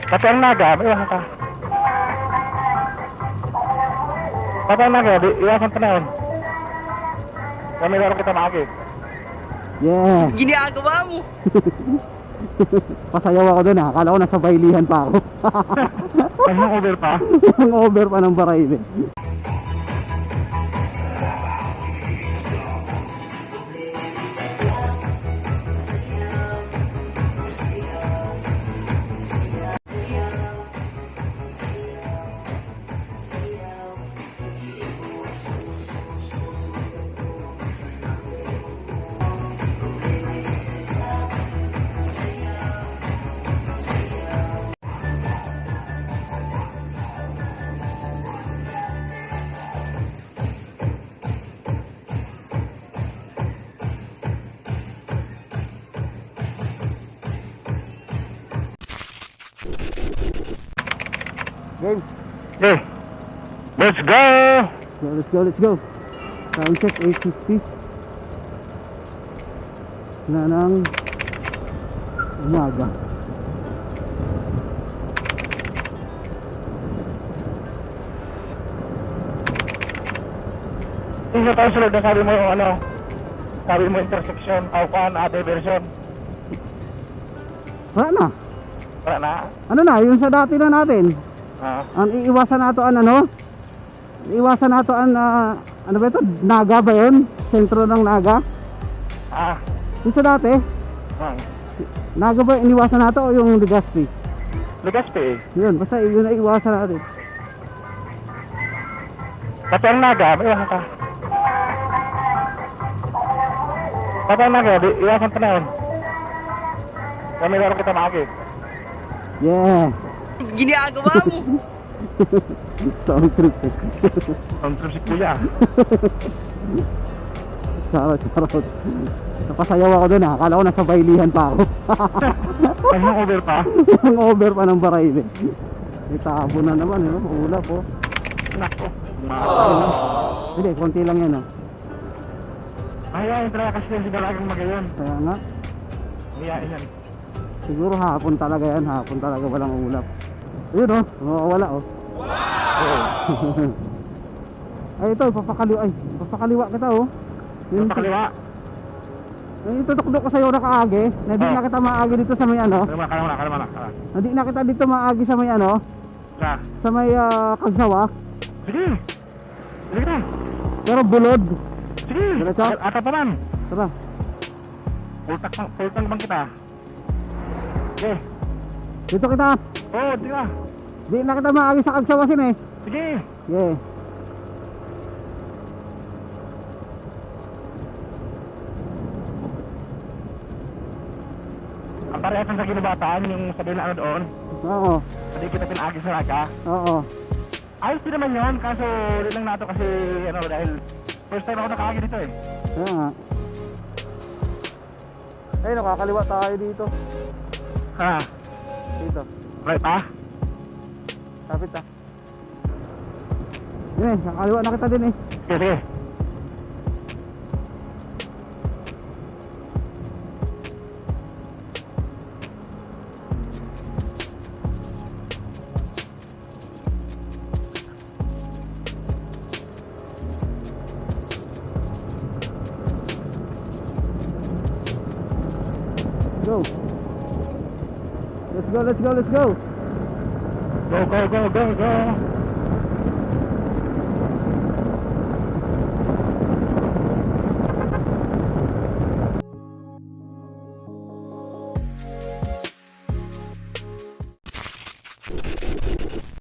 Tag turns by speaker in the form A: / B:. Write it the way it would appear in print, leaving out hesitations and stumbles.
A: Pati ang naga, iwasan ka. Pati ang naga, iwasan ka na yun. Kami laro kita maagit.
B: Yeah.
C: Ginagawa mo.
B: Pasayaw ako dun ha. Akala ko nasa bailihan pa ako.
A: Ay, over pa.
B: Ang over pa ng Baraybe. Game.
A: Okay. Let's go!
B: Let's go. Sound check 850. Na ng umaga.
A: Hindi tayo sunod na sabi mo yung ano, sabi mo intersection, Aucan, diversion.
B: Wala na.
A: Wala na.
B: Ano na, yung sa dati na natin. Ang iiwasan nato an ano? Iiwasan nato an ano ba ito? Naga ba yun? Sentro ng Naga? Yung sa dati? Naga ba iniwasan nato o yung Legazpi?
A: Legazpi eh.
B: Yun, basta yun na iwasan natin.
A: Pati ang naga, iwasan ka. Pati ang naga, iwasan ka na yun. Kami laro kita maagit.
B: Yeah.
C: Ginagawa mo.
B: Sound trip.
A: Ang trip si kuya.
B: Charot. Napasayaw ako dun ha. Akala ko nasa bailihan pa ako.
A: Ay, over pa.
B: Ang over pa ng Baraybe. May tabo na naman yun. Ulap po.
A: Nako.
B: Hindi, konti lang yan.
A: Ayaw, talaga kasi yung sigalagang magayon.
B: Kaya nga.
A: Ayaw yan.
B: Siguro hapon talaga yan. Hapon talaga walang ulap. Ayun wala
A: Oo.
B: Ay ito, papakaliwa kita
A: Yung pakaliwa.
B: Yung tutok-tok ko sa'yo na kaagi. Hindi na kita maagi dito sa may ano.
A: Kalma na.
B: Hindi na kita dito maagi sa may ano. Sa may Kagsawa.
A: Sige. Sige na.
B: Pero bulod.
A: Sige.
B: Diretso?
A: Ata pa man.
B: Tara.
A: Pultang bang kita. Sige.
B: Dito kita.
A: Oo, di ka.
B: Hindi na kita maagi sa Kagsawasin eh.
A: Sige.
B: Yeah.
A: Ang parehas sa ginubataan, yung sabihin na ano doon.
B: Oo.
A: Hindi kita pinagi sa Naga.
B: Oo.
A: Ayos din naman yun, kaso ulit lang nato kasi ano dahil first time ako nakaagi dito eh.
B: Kaya nga. Ay, nakakaliwa tayo dito.
A: Ha?
B: Dito.
A: Right pa?
B: Kapit ah. Yun eh, nakakaliwa na kita din eh.
A: Sige.
B: Go. Let's go.
A: Go.